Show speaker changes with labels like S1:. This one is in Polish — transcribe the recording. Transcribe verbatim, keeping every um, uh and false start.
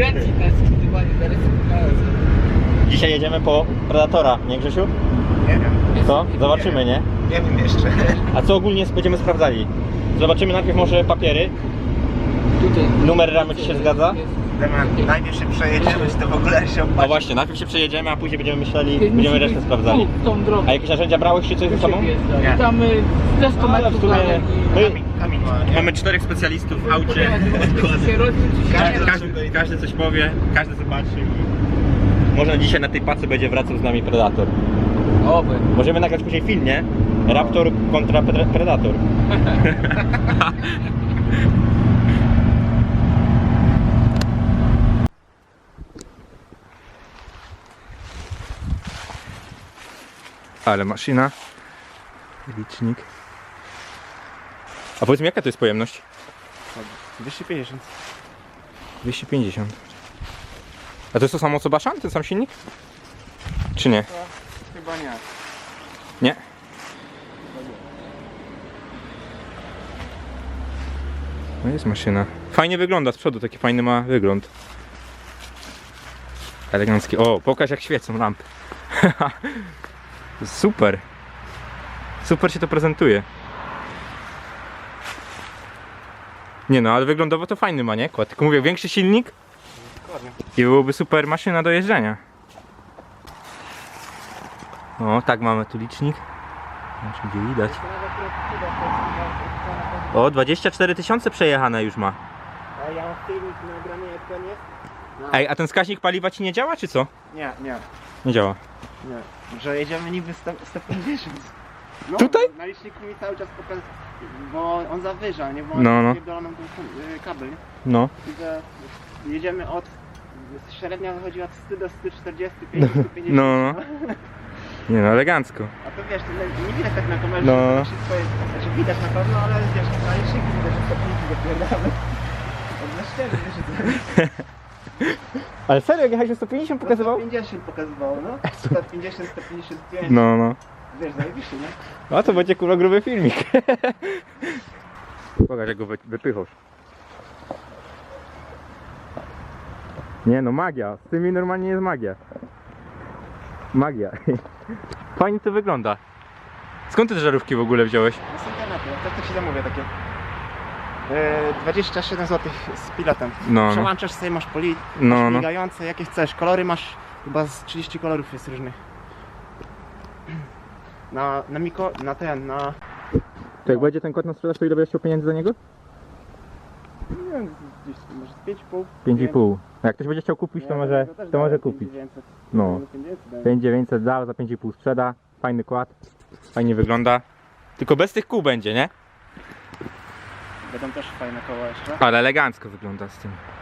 S1: kręci nas skrzydywanie, zaraz
S2: Dzisiaj jedziemy po Predatora, nie Grzesiu?
S3: Nie wiem.
S2: Co? Zobaczymy, nie?
S3: Nie wiem jeszcze.
S2: A co ogólnie będziemy sprawdzali? Zobaczymy najpierw może papiery.
S1: Tutaj.
S2: Numer ramy ci się zgadza?
S3: Damian, najpierw się przejedziemy, czy to w ogóle się
S2: No
S3: opłaci.
S2: właśnie, najpierw się przejedziemy, a później będziemy myśleli, będziemy resztę sprawdzali.
S1: Tu, tą drogą.
S2: A jakieś narzędzia brałeś czy coś ze sobą?
S3: Nie.
S1: Tam y, ze sto
S2: Ale w
S1: metrów
S2: sumie
S1: dalej.
S2: my
S3: Kamień, kamień ma, nie?
S2: mamy czterech specjalistów w aucie.
S1: Się rozliczy, czy się
S2: Każdy,
S1: nie
S2: każdy, każdy coś powie, każdy zobaczy i może dzisiaj na tej pacy będzie wracał z nami Predator.
S1: Oby.
S2: Możemy nagrać później film, nie? Raptor kontra Pre- Predator. Ale maszyna. Licznik. A powiedz mi, jaka to jest pojemność?
S3: dwieście pięćdziesiąt.
S2: dwieście pięćdziesiąt. A to jest to samo co Baszan, ten sam silnik? Czy nie?
S3: Chyba nie.
S2: Nie? No jest maszyna. Fajnie wygląda z przodu, taki fajny ma wygląd. Elegancki. O, pokaż jak świecą lampy. Super. Super się to prezentuje. Nie no, ale wyglądowo to fajny ma, nie? Kład. Tylko mówię, większy silnik
S3: Dokładnie.
S2: i byłoby super maszyna do jeżdżenia. O, tak mamy tu licznik. Znaczy, gdzie widać. O, dwadzieścia cztery tysiące przejechane już ma.
S3: A ja mam filmik nagrany jak ten jest?
S2: Ej, a ten wskaźnik paliwa ci nie działa, czy co?
S3: Nie, nie,
S2: Nie działa.
S3: nie. Że jedziemy niby sto pięćdziesiąt. No,
S2: Tutaj?
S3: Na liczniku mi cały czas pokazuje, bo on zawyża, nie? Bo
S2: No,
S3: on
S2: no.
S3: pierdolą nam ten y, kabel, nie?
S2: No.
S3: I że jedziemy od, średnia wychodzi od stu do stu czterdziestu pięciu, stu pięćdziesięciu.
S2: No, no. Nie no, elegancko.
S3: A to wiesz, to nie, nie widać tak na kamerze,
S2: No.
S3: że wszystko jest, znaczy widać na pewno, ale wiesz, na liczniku widać, że sto pięćdziesiąt dopierdamy. Od na szczerze, wiesz, że
S2: Ale serio, jak jechałeś sto pięćdziesiąt
S3: sto pięćdziesiąt pokazywało, no. sto pięćdziesiąt, sto pięćdziesiąt pięć.
S2: No, no.
S3: Wiesz, zajebiście, nie?
S2: A to będzie kurwa gruby filmik. Pokaż jak go wy- wypychasz. Nie no, magia. Z tymi normalnie jest magia. Magia. Fajnie to wygląda. Skąd te żarówki w ogóle wziąłeś?
S3: Z internetu, tak to się zamówię takie. Yy, dwadzieścia siedem złotych z pilotem.
S2: No, no.
S3: Przełączasz sobie, masz poli,
S2: No,
S3: masz
S2: no.
S3: migające, jakie chcesz. Kolory masz, chyba z trzydzieści kolorów jest różnych. Na, na miko, na ten, na...
S2: To jak będzie ten kod na sprzedaż, to ile będziesz chciał pieniędzy za niego?
S3: Nie wiem, gdzieś może z pięć i pół.
S2: pięć i pół. A jak ktoś będzie chciał kupić, to może, to może kupić. No. pięć tysięcy dziewięćset dał, za pięć i pół sprzeda. Fajny kład. Fajnie wygląda. Tylko bez tych kół będzie, nie?
S3: Będą też fajne koła jeszcze.
S2: Ale elegancko wygląda z tym.